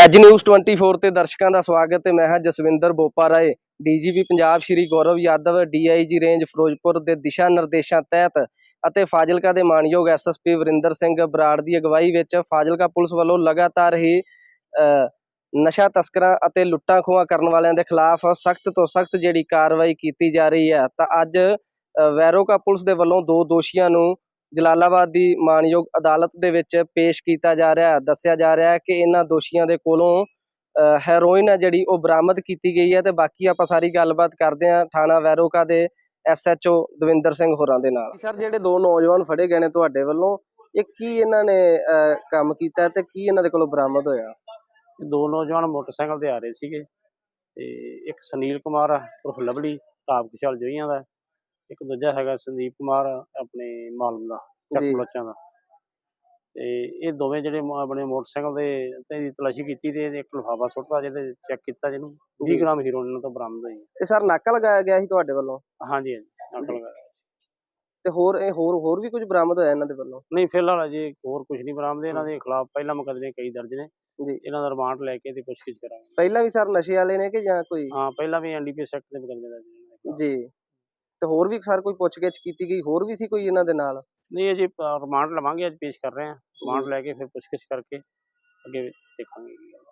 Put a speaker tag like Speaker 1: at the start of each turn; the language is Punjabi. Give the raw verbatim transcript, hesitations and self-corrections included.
Speaker 1: ਐਜ ਨਿਊਜ਼ ਟਵੰਟੀ फोर ਤੇ ਦਰਸ਼ਕਾਂ ਦਾ ਸਵਾਗਤ ਹੈ। ਮੈਂ ਹਾਂ Jaswinder Bopa Rai. DGP Punjab Shri Gaurav Yadav DIG range Firozpur ਦੇ ਦਿਸ਼ਾ ਨਿਰਦੇਸ਼ਾਂ ਤਹਿਤ ਅਤੇ ਫਾਜ਼ਿਲਕਾ ਦੇ ਮਾਨਯੋਗ ਐਸਐਸਪੀ ਵਰਿੰਦਰ ਸਿੰਘ ਬਰਾੜ ਦੀ ਅਗਵਾਈ ਵਿੱਚ ਫਾਜ਼ਿਲਕਾ ਪੁਲਿਸ ਵੱਲੋਂ ਲਗਾਤਾਰ ਹੀ ਨਸ਼ਾ ਤਸਕਰਾਂ ਅਤੇ ਲੁੱਟਾਂ ਖੋਹਾਂ ਕਰਨ ਵਾਲਿਆਂ ਦੇ ਖਿਲਾਫ ਸਖਤ ਤੋਂ ਸਖਤ ਜਿਹੜੀ ਕਾਰਵਾਈ ਕੀਤੀ ਜਾ ਰਹੀ ਹੈ। ਤਾਂ ਅੱਜ ਵੈਰੋਕਾ ਪੁਲਿਸ ਦੇ ਵੱਲੋਂ ਦੋ ਦੋਸ਼ੀਆਂ ਨੂੰ ਜਲਾਲਾਬਾਦ ਦੀ ਮਾਨਯੋਗ ਅਦਾਲਤ ਦੇ ਵਿੱਚ ਪੇਸ਼ ਕੀਤਾ ਜਾ ਰਿਹਾ ਹੈ। ਦੱਸਿਆ ਜਾ ਰਿਹਾ ਹੈ ਕਿ ਇਹਨਾਂ ਦੋਸ਼ੀਆਂ ਦੇ ਕੋਲੋਂ ਹੈਰੋਇਨ ਹੈ ਜਿਹੜੀ ਉਹ ਬਰਾਮਦ ਕੀਤੀ ਗਈ ਹੈ। ਤੇ ਬਾਕੀ ਆਪਾਂ ਸਾਰੀ ਗੱਲਬਾਤ ਕਰਦੇ ਹਾਂ ਥਾਣਾ ਵੈਰੋਕਾ ਦੇ ਐਸਐਚਓ ਦਵਿੰਦਰ ਸਿੰਘ ਹੋਰਾਂ ਦੇ ਨਾਲ। ਸਰ, ਜਿਹੜੇ ਦੋ ਨੌਜਵਾਨ ਫੜੇ ਗਏ ਨੇ ਤੁਹਾਡੇ ਵੱਲੋਂ, ਇਹ ਕੀ ਇਹਨਾਂ ਨੇ ਕੰਮ ਕੀਤਾ ਤੇ ਕੀ ਇਹਨਾਂ ਦੇ ਕੋਲੋਂ ਬਰਾਮਦ ਹੋਇਆ?
Speaker 2: ਦੋ ਨੌਜਵਾਨ ਮੋਟਰਸਾਈਕਲ ਤੇ ਆ ਰਹੇ ਸੀਗੇ ਤੇ ਇੱਕ ਸੁਨੀਲ ਕੁਮਾਰ ਉਰਫ ਲਵਲੀ ਢਾਬ ਕੁਸ਼ਲ ਜੋਈਆਂ ਦਾ, ਇੱਕ ਦੂਜਾ ਹੈਗਾ ਸੰਦੀਪ ਕੁਮਾਰ ਆਪਣੇ ਮਾਲਮ ਦਾ ਚੱਕ ਬਲੋਚਾਂ ਦਾ। ਤੇ ਇਹ ਦੋਵੇਂ ਜਿਹੜੇ ਆਪਣੇ ਮੋਟਰਸਾਈਕਲ ਦੇ ਤੇ ਤਲਾਸ਼ੀ ਕੀਤੀ ਤੇ ਇੱਕ ਲਿਫਾਫਾ ਸੁੱਟਦਾ ਜਿਹਦੇ ਚੈੱਕ ਕੀਤਾ, ਜਿਹਨੂੰ ਵੀਹ ਗ੍ਰਾਮ ਹੀਰੋਇਨ ਇਹਨਾਂ ਤੋਂ ਬਰਾਮਦ ਹੋਈ।
Speaker 1: ਇਹ ਸਰ ਨਾਕਾ ਲਗਾਇਆ ਗਿਆ ਸੀ ਤੁਹਾਡੇ ਵੱਲੋਂ?
Speaker 2: ਹਾਂਜੀ ਹਾਂਜੀ, ਨਾਕਾ ਲਗਾਇਆ।
Speaker 1: ਤੇ ਹੋਰ ਇਹ ਹੋਰ ਹੋਰ ਵੀ ਕੁਝ ਬਰਾਮਦ ਹੋਇਆ ਇਹਨਾਂ ਦੇ ਵੱਲੋਂ?
Speaker 2: ਨਹੀਂ, ਫਿਲਹਾਲ ਅਜੇ ਹੋਰ ਕੁਝ ਨਹੀਂ ਬਰਾਮਦ। ਇਹਨਾਂ ਦੇ ਖਿਲਾਫ ਪਹਿਲਾਂ ਮੁਕੱਦਮੇ ਕਈ ਦਰਜ ਨੇ ਜੀ। ਇਹਨਾਂ ਦਾ ਰਿਮਾਂਡ ਲੈ ਕੇ ਤੇ ਪੁੱਛਗਿੱਛ ਕਰਾਂਗੇ।
Speaker 1: ਪਹਿਲਾਂ ਵੀ ਸਰ ਨਸ਼ੇ ਵਾਲੇ ਨੇ ਕਿ ਜਾਂ ਕੋਈ?
Speaker 2: ਹਾਂ, ਪਹਿਲਾਂ ਵੀ ਐਨਡੀਪੀਐਸ ਐਕਟ ਦੇ ਮੁਕੱਦਮੇ ਦਰਜ ਨੇ
Speaker 1: ਜੀ। ਤੇ ਹੋਰ ਵੀ ਸਰ ਕੋਈ ਪੁੱਛਗਿੱਛ ਕੀਤੀ ਗਈ? ਹੋਰ ਵੀ ਸੀ ਕੋਈ ਇਹਨਾਂ ਦੇ ਨਾਲ?
Speaker 2: ਨਹੀਂ, ਅਜੇ ਰਿਮਾਂਡ ਲਵਾਂਗੇ, ਅੱਜ ਪੇਸ਼ ਕਰ ਰਹੇ ਹਾਂ। ਰਿਮਾਂਡ ਲੈ ਕੇ ਫਿਰ ਪੁੱਛਗਿੱਛ ਕਰਕੇ ਅੱਗੇ ਦੇਖਾਂਗੇ।